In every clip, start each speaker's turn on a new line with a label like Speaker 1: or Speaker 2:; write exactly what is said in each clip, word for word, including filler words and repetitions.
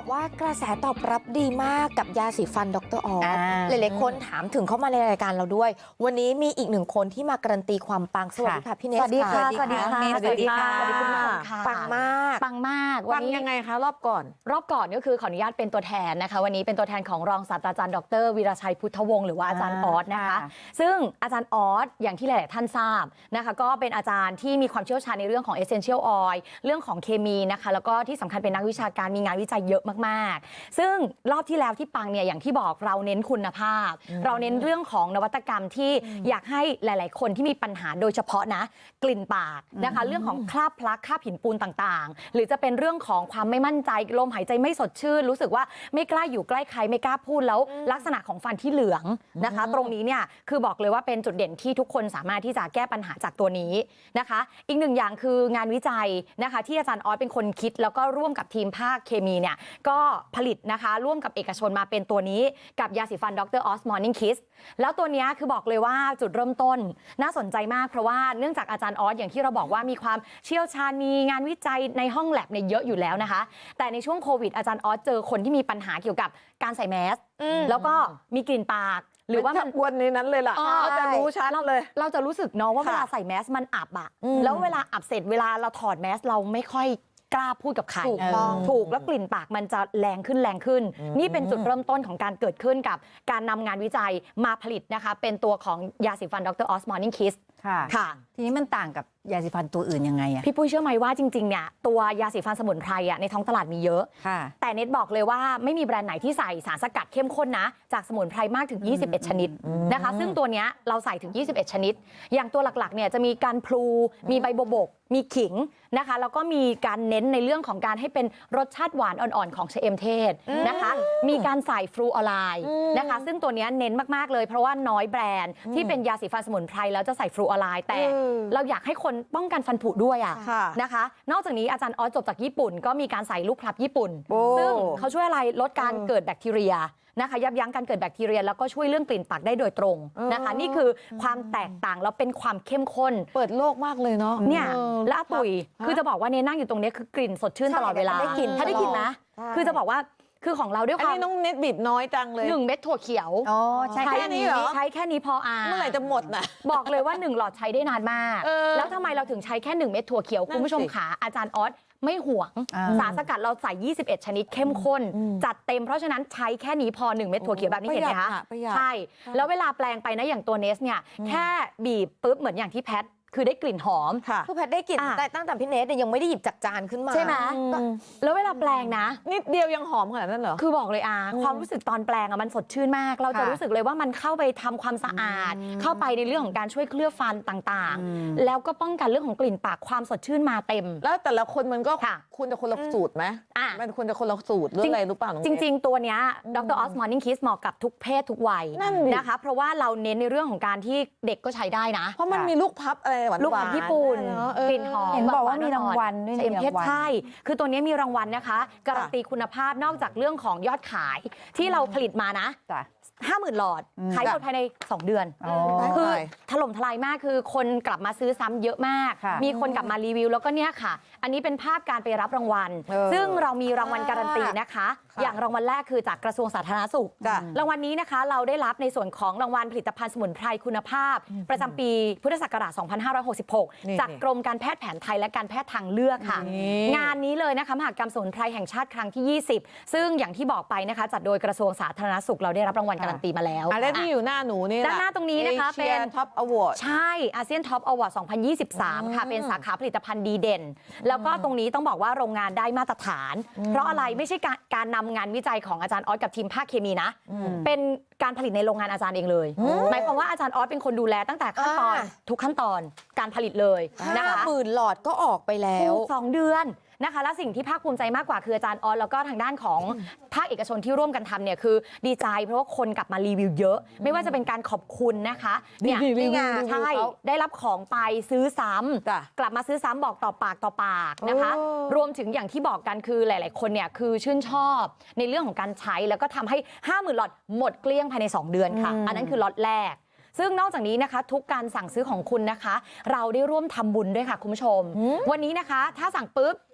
Speaker 1: บอกว่ากระแสตอบรับดีมากกับยาสีฟันดรออสหลายๆคนถามถึงเข้ามาในรายการเราด้วยวันนี้มีอีกหนึ่งคนที่มาการันตีความปังสวัสดีค่ะพี่เนส
Speaker 2: สวัสดีค่ะสวัสดีค่ะ
Speaker 1: สวัสดีค่ะ
Speaker 2: สวัสดีค่ะ
Speaker 1: ปังมาก
Speaker 2: ปังมาก
Speaker 3: ปังยังไงคะรอบก่อน
Speaker 2: รอบก่อนก็คือขออนุญาตเป็นตัวแทนนะคะวันนี้เป็นตัวแทนของรองศาสตราจารย์ดรวีรชัยพุทธวงศ์หรือว่าอาจารย์ออสนะคะซึ่งอาจารย์ออสอย่างที่หลายๆท่านทราบนะคะก็เป็นอาจารย์ที่มีความเชี่ยวชาญในเรื่องของ essential oil เรื่องของเคมีนะคะแล้วก็ที่สำคัญเป็นนักวิชาการมีงานวิจัยเยอะมากๆซึ่งรอบที่แล้วที่ปังเนี่ยอย่างที่บอกเราเน้นคุณภาพเราเน้นเรื่องของนวัตกรรมที่อยากให้หลายๆคนที่มีปัญหาโดยเฉพาะนะกลิ่นปากนะคะเรื่องของคราบพลักคราบหินปูนต่างๆหรือจะเป็นเรื่องของความไม่มั่นใจลมหายใจไม่สดชื่นรู้สึกว่าไม่กล้าอยู่ใกล้ใครไม่กล้าพูดแล้วลักษณะของฟันที่เหลืองนะคะตรงนี้เนี่ยคือบอกเลยว่าเป็นจุดเด่นที่ทุกคนสามารถที่จะแก้ปัญหาจากตัวนี้นะคะอีกหนึ่งอย่างคืองานวิจัยนะคะที่อาจารย์ออสเป็นคนคิดแล้วก็ร่วมกับทีมภาคเคมีเนี่ยก็ผลิตนะคะร่วมกับเอกชนมาเป็นตัวนี้กับยาสีฟันดรออสมอร์นิ่งคิสแล้วตัวนี้คือบอกเลยว่าจุดเริ่มต้นน่าสนใจมากเพราะว่าเนื่องจากอาจารย์ออสอย่างที่เราบอกว่ามีความเชี่ยวชาญมีงานวิจัยในห้องแลบเนี่ยเยอะอยู่แล้วนะคะแต่ในช่วงโควิดอาจารย์ออสเจอคนที่มีปัญหาเกี่ยวกับการใส่แมสแล้วก็มีกลิ่นปากหรือว่ามัน
Speaker 3: วนในนั้นเลยล่ะเราจะรู้ชัดเลย
Speaker 2: เราจะรู้สึกเนาะว่าเวลาใส่แมสมันอับอะแล้วเวลาอับเสร็จเวลาเราถอดแมสเราไม่ค่อยกล้าพูดกับใครถูกต้องถูกแล้วกลิ่นปากมันจะแรงขึ้นแรงขึ้นนี่เป็นจุดเริ่มต้นของการเกิดขึ้นกับการนำงานวิจัยมาผลิตนะคะเป็นตัวของยาสีฟันดรออสมอร์นิ่งคิส
Speaker 4: ค่ะทีนี้มันต่างกับยาสีฟันตัวอื่นยังไงอะ
Speaker 2: พี่ปุ้ยเชื่อไหมว่าจริงๆเนี่ยตัวยาสีฟันสมุนไพรอะในท้องตลาดมีเยอะแต่เน็ตบอกเลยว่าไม่มีแบรนด์ไหนที่ใส่สารสกัดเข้มข้นนะจากสมุนไพรมากถึงยี่สิบเอ็ดชนิดนะคะซึ่งตัวเนี้ยเราใส่ถึงยี่สิบเอ็ดชนิดอย่างตัวหลักๆเนี่ยจะมีการพลูมีใบโบกมีขิงนะคะแล้วก็มีการเน้นในเรื่องของการให้เป็นรสชาติหวานอ่อนๆของชะเอมเทศนะคะมีการใส่ฟลูออไรด์นะคะซึ่งตัวเนี้ยเน้นมากๆเลยเพราะว่าน้อยแบรนด์ที่เป็นยาสีฟันสมุนไพรแล้วจะใส่ฟลูออไรด์แต่เราอยากให้คนป้องกันฟันผุด้วยอ่ะนะคะนอกจากนี้อาจารย์ออสจบจากญี่ปุ่นก็มีการใส่ลูกพลับญี่ปุ่นซึ่งเขาช่วยอะไรลดการเกิดแบคทีเรียนะคะยับยั้งการเกิดแบคทีเรียแล้วก็ช่วยเรื่องกลิ่นปากได้โดยตรงนะคะนี่คือความแตกต่างแล้วเป็นความเข้มข้น
Speaker 3: เปิดโลกมากเลยเนาะ
Speaker 2: เนี่ยและอาตุ๋ยคือจะบอกว่าเนี่ยนั่งอยู่ตรงนี้คือกลิ่นสดชื่นตลอดเวลา
Speaker 1: ได้กลิ่น
Speaker 2: ถ้าได้กลิ่นนะคือจะบอกว่าคือของเราด้วยความ
Speaker 3: อันนี้น้องเน็ตบีบน้อยจังเลย
Speaker 2: หนึ่งเม็ดถั่วเขียว
Speaker 4: อ๋อใช้แค่นี้เหรอ
Speaker 2: ใช้แค่นี้พออ่ะ
Speaker 3: เมื่อไหร่จะหมดน่ะ
Speaker 2: บอกเลยว่าหนึ่งหลอดใช้ได้นานมากแล้วทำไมเราถึงใช้แค่หนึ่งเม็ดถั่วเขียวคุณผู้ชมขาอาจารย์ออสไม่ห่วงสารสกัดเราใส่ยี่สิบเอ็ดชนิดเข้มข้นจัดเต็มเพราะฉะนั้นใช้แค่นี้พอหนึ่งเม็ดถั่วเขียวแบบนี้เห็นไหมคะใช่แล้วเวลาแปลงไปนะอย่างตัวเนสเนี่ยแค่บีบปุ๊บเหมือนอย่างที่แพทคือได้กลิ่นหอม
Speaker 1: คือแพทได้กลิ่นแต่ตั้งแต่พี่เนสเนี่ยยังไม่ได้หยิบจากจานขึ้นมา
Speaker 2: ใช่ไหมแล้วเวลาแปลงนะ
Speaker 3: นิดเดียวยังหอมขนาดนั้นเหรอ
Speaker 2: คือบอกเลยอ่ะความรู้สึกตอนแปลงอ่ะมันสดชื่นมากเราจะรู้สึกเลยว่ามันเข้าไปทำความสะอาดเข้าไปในเรื่องของการช่วยเคลือบฟันต่างๆแล้วก็ป้องกันเรื่องของกลิ่นปากความสดชื่นมาเต็ม
Speaker 3: แล้วแต่ละคนมันก็คุณจะคนละสูตรไหมมันควรจะคนละสูตรหรืออะไรรู้ป่ะ
Speaker 2: จริงๆตัวเนี้ยดรออสมอร์นิ่งคิสเหมาะกับทุกเพศทุกวัยนะคะเพราะว่าเราเน้นในเรื่องของการที่เด็กก็ใช้ได้นะ
Speaker 3: เพราะมันมีลูกพับอะไรหวานๆ
Speaker 2: ลูกพับญี่ปุ่นกลิ่นหอม
Speaker 4: เห็นบอกว่ามีรางวัลด้วย
Speaker 2: เอ็มเพชรใช่คือตัวนี้มีรางวัลนะคะการันตีคุณภาพนอกจากเรื่องของยอดขายที่เราผลิตมานะห้าหมื่นหลอดขายหมดภายในสองเดือนคือถล่มทลายมากคือคนกลับมาซื้อซ้ำเยอะมากมีคนกลับมารีวิวแล้วก็เนี่ยค่ะอันนี้เป็นภาพการไปรับรางวัลซึ่งเรามีรางวัลการันตีนะคะอย่างรางวัลแรกคือจากกระทรวงสาธารณสุขรางวัลนี้นะคะเราได้รับในส่วนของรางวัลผลิตภัณฑ์สมุนไพรคุณภาพประจำปีพุทธศักราชสองพันห้าร้อยหกสิบหกจากกรมการแพทย์แผนไทยและการแพทย์ทางเลือกค่ะงานนี้เลยนะคะมหกรรมสมุนไพรแห่งชาติครั้งที่ยี่สิบซึ่งอย่างที่บอกไปนะคะจัดโดยกระทรวงสาธารณสุขเราได้รับรางวัลการันตีมาแล้ว
Speaker 3: อะไรที่อยู่หน้าหนูนี่
Speaker 2: ด้านหน้าตรงนี้นะคะเป็น
Speaker 3: ท็อปอวอร์ด
Speaker 2: ใช่อาเซียนท็อปอวอร์ดสองพันยี่สิบสามค่ะเป็นสาขาผลิตภัณฑ์ดีเด่นแล้วก็ตรงนี้ต้องบอกว่าโรงงานได้มาตรฐานเพราะอะไรไม่ใช่การการนำงานวิจัยของอาจารย์ออสกับทีมภาคเคมีนะเป็นการผลิตในโรงงานอาจารย์เองเลยหมายความว่าอาจารย์ออสเป็นคนดูแลตั้งแต่ขั้นตอนทุกขั้นตอนการผลิตเลยนะคะ
Speaker 1: หมื่นหลอดก็ออกไปแล้ว
Speaker 2: สองเดือนนะคะและสิ่งที่ภาคภูมิใจมากกว่าคืออาจารย์ออสแล้วก็ทางด้านของภาคเอกชนที่ร่วมกันทำเนี่ยคือดีใจเพราะว่าคนกลับมารีวิวเยอะไม่ว่าจะเป็นการขอบคุณนะคะเนี่ยนี่ไงใช่ได้รับของไปซื้อซ้ำกลับมาซื้อซ้ำบอกต่อปากต่อปากนะคะรวมถึงอย่างที่บอกกันคือหลายๆคนเนี่ยคือชื่นชอบในเรื่องของการใช้แล้วก็ทำให้ห้าหมื่นหลอดหมดเกลี้ยงภายในสองเดือนค่ะอันนั้นคือล็อตแรกซึ่งนอกจากนี้นะคะทุกการสั่งซื้อของคุณนะคะเราได้ร่วมทำบุญด้วยค่ะคุณผู้ชมวันนี้นะคะถ้าสั่งปุ๊บ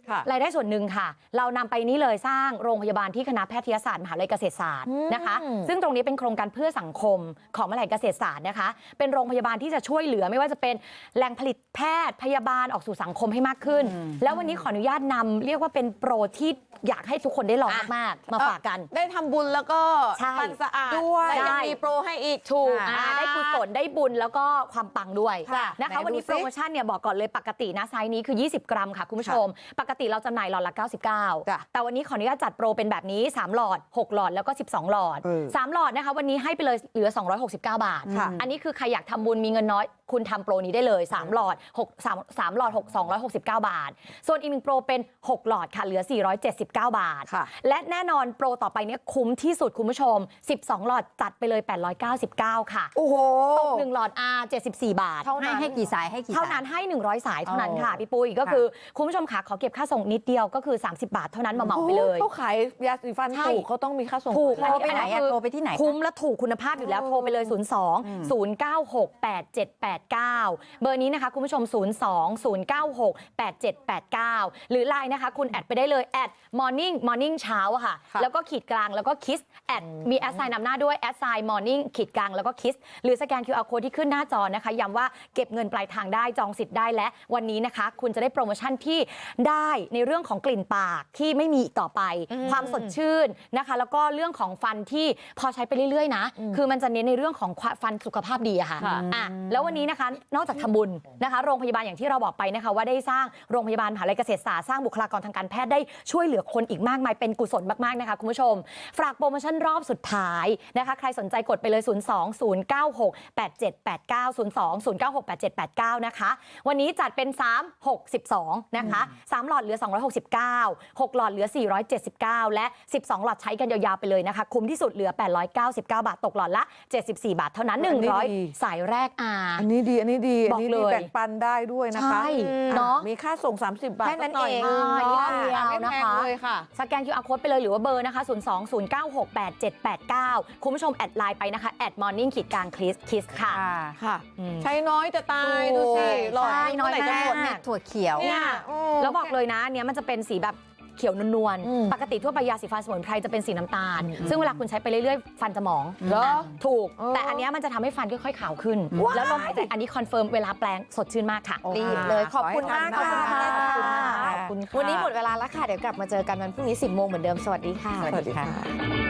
Speaker 3: ค่ะ
Speaker 2: รายได้ส่วนหนึ่งค่ะ เรานำไปนี้เลยสร้างโรงพยาบาลที่คณะแพทยศาสตร์มหาวิทยาลัยเกษตรศาสตร์นะคะ ซึ่งตรงนี้เป็นโครงการเพื่อสังคมของมหาวิทยาลัยเกษตรศาสตร์นะคะ เป็นโรงพยาบาลที่จะช่วยเหลือไม่ว่าจะเป็นแหล่งผลิตแพทย์พยาบาลออกสู่สังคมให้มากขึ้น แล้ววันนี้ขออนุญาตนำเรียกว่าเป็นโปรที่อยากให้ทุกคนได้ลองมากๆมาฝากกัน
Speaker 3: ได้ทำบุญแล้วก็
Speaker 2: ใช่
Speaker 3: ฟันสะอาด
Speaker 1: ด้วย
Speaker 3: และยัง
Speaker 2: ได้
Speaker 3: มีโปรให้อีก
Speaker 2: ถูก
Speaker 3: อ่า
Speaker 2: อ่าได้กุศลได้บุญแล้วก็ความปังด้วย
Speaker 3: ค่ะ
Speaker 2: นะคะ
Speaker 3: ไหน
Speaker 2: วันนี้
Speaker 3: ดูสิ
Speaker 2: โปรโมชั่นเนี่ยบอกก่อนเลยปกตินะไซส์นี้คือ ยี่สิบ กรัมค่ะคุณผู้ชม ปกติเราจำหน่ายหลอดละ เก้าสิบเก้า
Speaker 3: จ้ะ
Speaker 2: แต่วันนี้ขออนุญาตจัดโปรเป็นแบบนี้ สาม หลอด หก หลอดแล้วก็ สิบสอง หลอด
Speaker 3: เออ
Speaker 2: สาม หลอดนะคะวันนี้ให้ไปเลยเหลือ สองร้อยหกสิบเก้า บาท
Speaker 3: ค่ะ
Speaker 2: อันนี้คือใครอยากทำบุญมีเงินน้อยคุณทำโปรนี้ได้เลย สาม หลอด6 3 3หลอด6 สองร้อยหกสิบเก้า บาท ส่วนอีกหนึ่งโปรเป็น หก หลอดค่ะเหลือ สี่ร้อยเจ็ดสิบเก้า บาท
Speaker 3: ค่ะ
Speaker 2: และแน่นอนโปรต่อไปเนี้ยคุ้มที่สุดคุณผู้ชม สิบสอง หลอดจัดไปเลย แปดร้อยเก้าสิบเก้า ค่ะ
Speaker 3: โอ้โห
Speaker 2: หนึ่งหลอด R เจ็ดสิบสี่ บาท
Speaker 3: เท่า
Speaker 4: ให้
Speaker 3: นั้น
Speaker 4: ให้กี่สายให้กี่
Speaker 2: เท่า
Speaker 4: สาย
Speaker 2: นั้นให้ หนึ่งร้อย สายเท่านั้นค่ะ
Speaker 4: อ๋อ
Speaker 2: พี่ปุ้ยก็คือคุณผู้ชมค่ะขอเก็บค่าส่งนิดเดียวก็คือ สามสิบบาทเท่านั้นมาเหมาไปเลย
Speaker 3: เขาขายยาสีฟัน
Speaker 2: ใช่
Speaker 3: ถูกเขาต้องมีค่าส่ง
Speaker 2: ถูก
Speaker 3: ขาย
Speaker 4: โทรไปไหนอะโทรไปที่ไหนคะ
Speaker 2: คุ้มและถูกคุณภาพอยู่แล้ว
Speaker 3: โอ้
Speaker 2: โทรไปเลย ศูนย์ สอง ศูนย์ เก้า หก แปด เจ็ด แปด เก้า เบอร์นี้นะคะคุณผู้ชม ศูนย์ สอง ศูนย์ เก้า หก แปด เจ็ด แปด เก้า หรือไลน์นะคะคุณแอดไปได้เลยแอด morning morning เช้าอะค่ะ
Speaker 3: ค่ะ
Speaker 2: แล้วก็ขีดกลางแล้วก็คิสแอดมีแอดไซน์นำหน้าด้วยแอดไซน์ morning ขีดกลางแล้วก็คิสหรือสแกน คิว อาร์ code ที่ขึ้นหน้าจอนะคะย้ำว่าเก็บเงินปลายทางได้จองสิทธิ์ได้และวันนี้นะคะ คุณจะได้โปรโมชั่นที่ได้ในเรื่องของกลิ่นปากที่ไม่มีอีกต่อไป ความสดชื่นนะคะ แล้วก็เรื่องของฟันที่พอใช้ไปเรื่อยๆนะคือมันจะเน้นในเรื่องของฟันสุขภาพดีอะค่ะ
Speaker 3: ค่ะ
Speaker 2: อ่ะแล้ววันนี้นะคะนอกจากทำบุญนะคะ โรงพยาบาลอย่างที่เราบอกไปนะคะ ว่าได้สร้างโรงพยาบาลมหาวิทยาลัยเกษตรศาสตร์สร้างบุคลากรทางการแพทย์ได้ช่วยเหลือคนอีกมากมายเป็นกุศลมากๆนะคะคุณผู้ชมฝากโปรโมชั่นรอบสุดท้ายนะคะใครสนใจกดไปเลย ศูนย์ สอง ศูนย์ เก้า หก แปด เจ็ด แปด เก้า ศูนย์ สอง ศูนย์ เก้า หก แปด เจ็ด แปด เก้านะคะวันนี้จัดเป็น สาม หก สิบสอง นะคะสามหลอดเหลือ สองร้อยหกสิบเก้า หกหลอดเหลือ สี่ร้อยเจ็ดสิบเก้า และ สิบสอง หลอดใช้กันยาวๆไปเลยนะคะคุ้มที่สุดเหลือ แปดร้อยเก้าสิบเก้า บาทตกหลอดละ เจ็ดสิบสี่ บาทเท่านั้น
Speaker 3: อันนี้
Speaker 2: หนึ่งร้อย
Speaker 3: ดี
Speaker 2: สายแรกอ่า
Speaker 3: อันนี้ดี อันนี้ดี อันนี้
Speaker 2: บอก
Speaker 3: ดี
Speaker 2: เลย
Speaker 3: แบ่งปันได้ด้วยนะคะ
Speaker 2: ใช่
Speaker 3: อ่
Speaker 2: เนาะ
Speaker 3: มีค่าส่ง สามสิบบาท
Speaker 1: แค่นั้น
Speaker 3: สักหน่อย
Speaker 1: เอง
Speaker 3: นึง
Speaker 2: อ่า
Speaker 3: เนาะ
Speaker 2: นิดเดียว
Speaker 3: อ่ะไม่
Speaker 2: นะ
Speaker 3: แพง
Speaker 2: คะ
Speaker 3: เลยค่ะ
Speaker 2: สแกน คิว อาร์ code ไปเลยหรือว่าเบอร์นะคะ ศูนย์ สอง ศูนย์ เก้า หก แปด เจ็ด แปด เก้า คุณผู้ชมแอดไลน์ไปนะคะแอด morning ขีดกลางคิสคิสค่ะ
Speaker 3: ค่ะ
Speaker 2: อืม
Speaker 3: ใช้น้อยจะตาย
Speaker 2: ถูก
Speaker 3: ดูสิหลอด
Speaker 2: ใช่
Speaker 3: เมื่อไหร่
Speaker 2: น้
Speaker 3: จะ
Speaker 2: อย
Speaker 3: หม
Speaker 2: มาก
Speaker 3: ด
Speaker 4: ถั่วเขียว
Speaker 3: เนี่ย
Speaker 2: แล้วบอกเลยนะอันเนี้ยมันจะเป็นสีแบบเขียวนวล
Speaker 3: อืม
Speaker 2: ๆปกติทั่วไปยาสีฟันสมุนไพรจะเป็นสีน้ำตาล ซึ่งเวลาคุณใช้ไปเรื่อยๆ ฟันจะหมอง
Speaker 3: เหรอ
Speaker 2: ถูก
Speaker 3: เออ
Speaker 2: แต่อันเนี้ยมันจะทำให้ฟันค่อยๆขาวขึ้น แล้วลมหายใจอันนี้คอนเฟิร์มเวลาแปลงสดชื่นมากค่ะ
Speaker 1: รีบเลยขอบคุณมาก
Speaker 3: ขอให้
Speaker 1: ค่ะ
Speaker 3: ทำได้ขอบคุณค่ะ
Speaker 1: วันนี้หมดเวลาแล้วค่ะ เดี๋ยวกลับมาเจอกันวันพรุ่งนี้ สิบโมงเหมือนเดิม สวัสดีค่ะ
Speaker 3: สวัสดีค่ะ